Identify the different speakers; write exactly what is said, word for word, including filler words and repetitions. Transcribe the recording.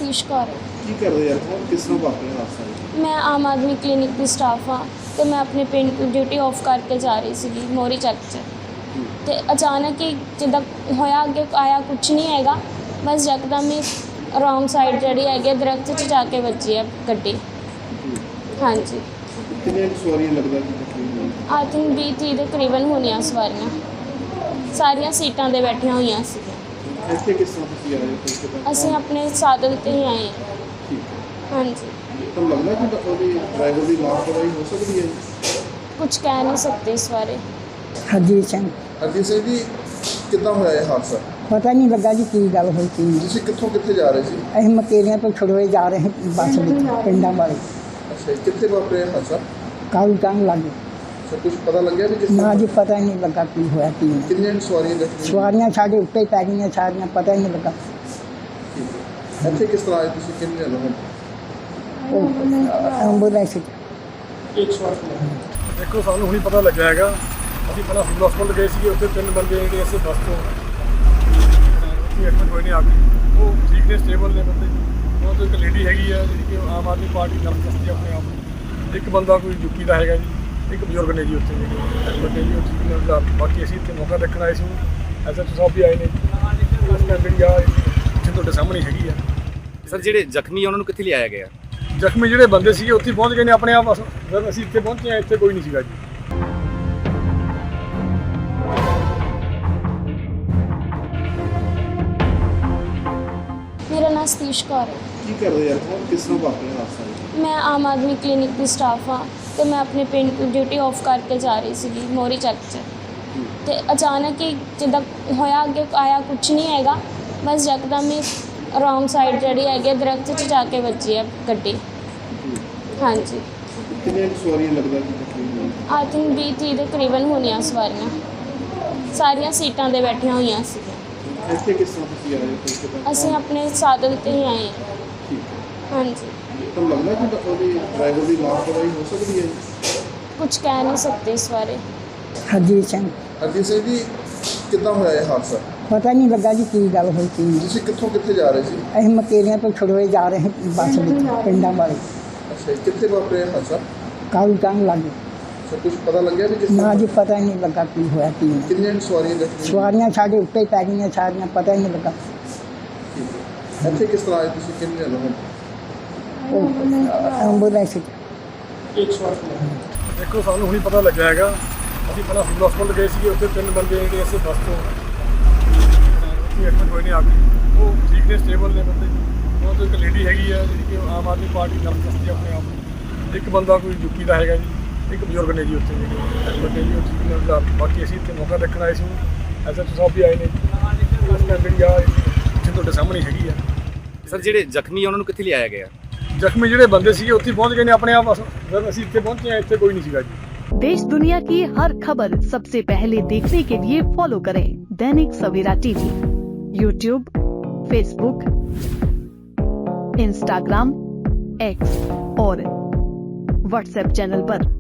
Speaker 1: ਸਤੀਸ਼ ਕੌਰ ਹੈ।
Speaker 2: ਕੀ ਕਰਦੇ ਯਾਰ ਕੌਣ ਕਿਸ ਨੂੰ ਵਾਪਰਿਆ ਹਾਦਸਾ ਜੀ?
Speaker 1: ਮੈਂ ਆਮ ਆਦਮੀ ਕਲੀਨਿਕ ਦੀ ਸਟਾਫ ਹਾਂ ਤੇ ਮੈਂ ਆਪਣੇ ਪਿੰਡ ਤੋਂ ਡਿਊਟੀ ਆਫ ਕਰਕੇ ਜਾ ਰਹੀ ਸੀਗੀ ਮੋਰੀ ਚੱਕ 'ਚ ਤੇ ਅਚਾਨਕ ਹੀ ਜਿੱਦਾਂ ਹੋਇਆ ਅੱਗੇ ਆਇਆ ਕੁਛ ਨਹੀਂ ਹੈਗਾ, ਬਸ ਯਕਦਮ ਹੀ ਰੋਂਗ ਸਾਈਡ ਜਿਹੜੀ ਹੈਗੀ ਦਰਖਤ 'ਚ ਜਾ ਕੇ ਵੱਜੀ ਹੈ ਗੱਡੀ। ਹਾਂਜੀ,
Speaker 2: ਕਿੰਨੀਆਂ ਕੁ ਸਵਾਰੀਆਂ ਲੱਗਦਾ ਕਿ ਤਕਰੀਬਨ?
Speaker 1: ਆਈ ਥਿੰਕ ਵੀਹ ਤੀਹ ਦੇ ਕਰੀਬਨ ਹੋਣੀਆਂ ਸਵਾਰੀਆਂ, ਸਾਰੀਆਂ ਸੀਟਾਂ 'ਤੇ ਬੈਠੀਆਂ ਹੋਈਆਂ ਸੀ।
Speaker 2: ਇੱਥੇ ਕਿਸ ਤਰ੍ਹਾਂ ਤੁਸੀਂ ਆਏ ਹੋ ਕਿਸੇ ਦਾ?
Speaker 1: ਅਸੀਂ ਆਪਣੇ ਸਾਧਨ 'ਤੇ ਹੀ ਆਏ ਹਾਂ।
Speaker 2: ਠੀਕ ਹੈ।
Speaker 1: ਹਾਂਜੀ,
Speaker 2: ਤੁਹਾਨੂੰ ਲੱਗਦਾ ਕਿ ਉਹਦੀ ਡਰਾਈਵਰ ਦੀ ਲਾਪਰਵਾਹੀ ਹੋ ਸਕਦੀ ਹੈ?
Speaker 1: ਕੁਝ ਕਹਿ ਨਹੀਂ ਸਕਦੇ ਇਸ ਬਾਰੇ।
Speaker 3: ਹਰਜੀਤ ਸਿੰਘ।
Speaker 2: ਹਰਜੀਤ ਸਿੰਘ ਜੀ, ਕਿੱਦਾਂ ਹੋਇਆ ਇਹ ਹਾਦਸਾ?
Speaker 3: ਪਤਾ ਨਹੀਂ ਲੱਗਾ ਜੀ ਕੀ ਗੱਲ ਹੋਈ ਸੀ।
Speaker 2: ਤੁਸੀਂ ਕਿੱਥੋਂ ਕਿੱਥੇ ਜਾ ਰਹੇ ਸੀ?
Speaker 3: ਅਸੀਂ ਮਕੇਰੀਆਂ ਤੋਂ ਛੜੋਏ ਜਾ ਰਹੇ ਹਾਂ ਬੱਸ ਵਿੱਚ ਪਿੰਡਾਂ ਵਾਲੇ।
Speaker 2: ਅੱਛਾ ਜੀ, ਕਿੱਥੇ ਵਾਪਰਿਆ ਇਹ ਹਾਦਸਾ?
Speaker 3: ਕਾਲੂ ਟੰਗ ਲੱਗੇ
Speaker 2: ਸਰ ਕੁਝ ਪਤਾ ਲੱਗਿਆ ਵੀ ਕਿਸ
Speaker 3: ਨਾ
Speaker 2: ਤਰ੍ਹਾਂ?
Speaker 3: ਜੀ, ਪਤਾ ਹੀ ਨਹੀਂ ਲੱਗਾ ਕੀ ਹੋਇਆ ਕੀ ਨਹੀਂ।
Speaker 2: ਕਿੰਨੀਆਂ ਕੁ ਸਵਾਰੀਆਂ ਜ਼ਖਮੀ?
Speaker 3: ਸਵਾਰੀਆਂ ਸਾਡੇ ਉੱਤੇ ਹੀ ਪੈ ਗਈਆਂ ਸਾਰੀਆਂ, ਪਤਾ ਹੀ ਨਹੀਂ ਲੱਗਾ।
Speaker 2: ਠੀਕ ਹੈ। ਇੱਥੇ ਕਿਸ ਤਰ੍ਹਾਂ ਆਏ ਤੁਸੀਂ? ਕਿੰਨੇ ਲੋਕ?
Speaker 3: ਉਹ ਐਂਬੂਲੈਂਸ 'ਚ।
Speaker 4: ਦੇਖੋ, ਸਾਨੂੰ ਹੁਣੀ ਪਤਾ ਲੱਗਿਆ ਹੈਗਾ। ਅਸੀਂ ਪਹਿਲਾਂ ਸਿਵਲ ਹਸਪਤਾਲ ਗਏ ਸੀਗੇ, ਉੱਥੇ ਤਿੰਨ ਬੰਦੇ ਜਿਹੜੇ ਅਸੀਂ ਬੱਸ ਤੋਂ ਉੱਥੇ ਐਡਮਿਟ ਹੋਏ ਨੇ ਆ ਕੇ। ਉਹ ਠੀਕ ਨੇ, ਸਟੇਬਲ ਨੇ ਬੰਦੇ। ਉਹਨਾਂ ਤੋਂ ਇੱਕ ਲੇਡੀ ਹੈਗੀ ਆ ਜਿਹੜੀ ਕਿ ਆਮ ਆਦਮੀ ਪਾਰਟੀ ਨਾਲ ਦੱਸਦੀ ਆ ਆਪਣੇ ਆਪ ਨੂੰ। ਇੱਕ ਬੰਦਾ ਕੋਈ ਯੂਪੀ ਦਾ ਹੈਗਾ ਜੀ, ਇੱਕ ਬਜ਼ੁਰਗ ਨੇ ਜੀ ਉੱਥੇ ਜਿਹੜੇ ਐਡਮਿਟ ਨੇ ਜੀ, ਉਹ ਠੀਕ ਨੇ। ਬਾਕੀ ਅਸੀਂ ਇੱਥੇ ਮੌਕਾ ਦੇਖਣ ਆਏ ਸੀ, ਐਸ ਐਚ ਓ ਸਾਹਿਬ ਵੀ ਆਏ ਨੇ। ਉਸ ਟਾਈਮ ਜਿਹੜੀ ਆ ਇੱਥੇ ਤੁਹਾਡੇ ਸਾਹਮਣੇ ਹੈਗੀ ਆ।
Speaker 5: ਸਰ, ਜਿਹੜੇ ਜ਼ਖਮੀ ਆ ਉਹਨਾਂ ਨੂੰ ਕਿੱਥੇ ਲਿਆਇਆ ਗਿਆ?
Speaker 4: ਜ਼ਖਮੀ ਜਿਹੜੇ ਬੰਦੇ ਸੀਗੇ ਉੱਥੇ ਪਹੁੰਚ ਗਏ ਨੇ ਆਪਣੇ ਆਪ। ਜਦ ਅਸੀਂ ਇੱਥੇ ਪਹੁੰਚੇ ਹਾਂ, ਇੱਥੇ ਕੋਈ ਨਹੀਂ ਸੀਗਾ ਜੀ।
Speaker 1: ਮੇਰਾ ਨਾਮ ਸਤੀਸ਼ ਕੌਰ ਹੈ।
Speaker 2: ਕੀ ਕਰਦੇ ਯਾਰ ਕੌਣ ਕਿਸ ਨੂੰ ਵਾਪਰਿਆ ਹਾਦਸਾ ਜੀ?
Speaker 1: ਮੈਂ ਆਮ ਆਦਮੀ ਕਲੀਨਿਕ ਦੀ ਸਟਾਫ ਹਾਂ ਤੇ ਮੈਂ ਆਪਣੇ ਪਿੰਡ ਤੋਂ ਡਿਊਟੀ ਆਫ ਕਰਕੇ ਜਾ ਰਹੀ ਸੀਗੀ ਮੋਰੀ ਚੱਕ 'ਚ ਤੇ ਅਚਾਨਕ ਹੀ ਜਿੱਦਾਂ ਹੋਇਆ ਅੱਗੇ ਆਇਆ ਕੁਛ ਨਹੀਂ ਹੈਗਾ, ਬਸ ਯਕਦਮ ਹੀ ਰੋਂਗ ਸਾਈਡ ਜਿਹੜੀ ਹੈਗੀ ਦਰਖਤ 'ਚ ਜਾ ਕੇ ਵੱਜੀ ਹੈ ਗੱਡੀ। ਹਾਂਜੀ,
Speaker 2: ਕਿੰਨੀਆਂ ਕੁ ਸਵਾਰੀਆਂ ਲੱਗਦਾ ਕਿ ਤਕਰੀਬਨ?
Speaker 1: ਆਈ ਥਿੰਕ ਵੀਹ ਤੀਹ ਦੇ ਕਰੀਬਨ ਹੋਣੀਆਂ ਸਵਾਰੀਆਂ, ਸਾਰੀਆਂ ਸੀਟਾਂ 'ਤੇ ਬੈਠੀਆਂ ਹੋਈਆਂ ਸੀ।
Speaker 2: ਇੱਥੇ ਕਿਸ ਤਰ੍ਹਾਂ ਤੁਸੀਂ ਆਏ ਹੋ ਕਿਸੇ ਦਾ?
Speaker 1: ਅਸੀਂ ਆਪਣੇ ਸਾਧਨ 'ਤੇ ਹੀ ਆਏ ਹਾਂ।
Speaker 2: ਠੀਕ ਹੈ।
Speaker 1: ਹਾਂਜੀ,
Speaker 2: ਤੁਹਾਨੂੰ ਲੱਗਦਾ ਕਿ ਉਹਦੀ ਡਰਾਈਵਰ ਦੀ ਲਾਪਰਵਾਹੀ ਹੋ ਸਕਦੀ ਹੈ?
Speaker 1: ਕੁਝ ਕਹਿ ਨਹੀਂ ਸਕਦੇ ਇਸ ਬਾਰੇ।
Speaker 3: ਹਰਜੀਤ ਸਿੰਘ।
Speaker 2: ਹਰਜੀਤ ਸਿੰਘ ਜੀ, ਕਿੱਦਾਂ ਹੋਇਆ ਇਹ ਹਾਦਸਾ?
Speaker 3: ਪਤਾ ਨਹੀਂ ਲੱਗਾ ਜੀ ਕੀ ਗੱਲ ਹੋਈ ਸੀ।
Speaker 2: ਤੁਸੀਂ ਕਿੱਥੋਂ ਕਿੱਥੇ ਜਾ ਰਹੇ ਸੀ?
Speaker 3: ਅਸੀਂ ਮਕੇਰੀਆਂ ਤੋਂ ਛੜੋਏ ਜਾ ਰਹੇ ਹਾਂ ਬੱਸ ਵਿੱਚ ਪਿੰਡਾਂ ਵਾਲੇ।
Speaker 2: ਅੱਛਾ ਜੀ, ਕਿੱਥੇ ਵਾਪਰਿਆ ਇਹ ਹਾਦਸਾ?
Speaker 3: ਕਾਲੂ ਟੰਗ ਲੱਗੇ
Speaker 2: ਸਰ ਕੁਝ ਪਤਾ ਲੱਗਿਆ ਵੀ ਕਿਸ
Speaker 3: ਨਾ
Speaker 2: ਤਰ੍ਹਾਂ?
Speaker 3: ਜੀ, ਪਤਾ ਹੀ ਨਹੀਂ ਲੱਗਾ ਕੀ ਹੋਇਆ ਕੀ ਨਹੀਂ।
Speaker 2: ਕਿੰਨੀਆਂ ਕੁ ਸਵਾਰੀਆਂ ਜ਼ਖਮੀ?
Speaker 3: ਸਵਾਰੀਆਂ ਸਾਡੇ ਉੱਤੇ ਹੀ ਪੈ ਗਈਆਂ ਸਾਰੀਆਂ, ਪਤਾ ਹੀ ਨਹੀਂ ਲੱਗਾ।
Speaker 2: ਠੀਕ ਹੈ। ਇੱਥੇ ਕਿਸ ਤਰ੍ਹਾਂ ਆਏ ਤੁਸੀਂ? ਕਿੰਨੇ ਲੋਕ?
Speaker 3: ਉਹ ਐਂਬੂਲੈਂਸ 'ਚ।
Speaker 4: ਦੇਖੋ, ਸਾਨੂੰ ਹੁਣੀ ਪਤਾ ਲੱਗਿਆ ਹੈਗਾ। ਅਸੀਂ ਪਹਿਲਾਂ ਸਿਵਲ ਹਸਪਤਾਲ ਗਏ ਸੀਗੇ, ਉੱਥੇ ਤਿੰਨ ਬੰਦੇ ਜਿਹੜੇ ਅਸੀਂ ਬੱਸ ਤੋਂ ਉੱਥੇ ਐਡਮਿਟ ਹੋਏ ਨੇ ਆ ਕੇ। ਉਹ ਠੀਕ ਨੇ, ਸਟੇਬਲ ਨੇ ਬੰਦੇ। ਉਹਨਾਂ ਤੋਂ ਇੱਕ ਲੇਡੀ ਹੈਗੀ ਆ ਜਿਹੜੀ ਕਿ ਆਮ ਆਦਮੀ ਪਾਰਟੀ ਨਾਲ ਦੱਸਦੀ ਆ ਆਪਣੇ ਆਪ ਨੂੰ। ਇੱਕ ਬੰਦਾ ਕੋਈ ਯੂਪੀ ਦਾ ਹੈਗਾ ਜੀ, ਇੱਕ ਬਜ਼ੁਰਗ ਨੇ ਜੀ ਉੱਥੇ ਜਿਹੜੇ ਐਡਮਿਟ ਨੇ ਜੀ, ਉਹ ਠੀਕ ਨੇ। ਬਾਕੀ ਅਸੀਂ ਇੱਥੇ ਮੌਕਾ ਦੇਖਣ ਆਏ ਸੀ, ਐਸ ਐਚ ਓ ਸਾਹਿਬ ਵੀ ਆਏ ਨੇ। ਉਸ ਟਾਈਮ ਜਿਹੜੀ ਆ ਇੱਥੇ ਤੁਹਾਡੇ ਸਾਹਮਣੇ ਹੈਗੀ ਆ।
Speaker 5: ਸਰ, ਜਿਹੜੇ ਜ਼ਖਮੀ ਆ ਉਹਨਾਂ ਨੂੰ ਕਿੱਥੇ ਲਿਆਇਆ ਗਿਆ?
Speaker 4: ਜ਼ਖਮੀ ਜਿਹੜੇ ਬੰਦੇ ਸੀਗੇ ਉੱਥੇ ਪਹੁੰਚ ਗਏ ਨੇ ਆਪਣੇ ਆਪ। ਜਦ ਅਸੀਂ ਇੱਥੇ पहुंचे हैं, ਇੱਥੇ ਕੋਈ नहीं ਸੀਗਾ जी।
Speaker 6: देश दुनिया की हर खबर सबसे पहले देखने के लिए फॉलो करें Dainik Savera TV, YouTube, Facebook, Instagram, X और व्हाट्सएप चैनल पर।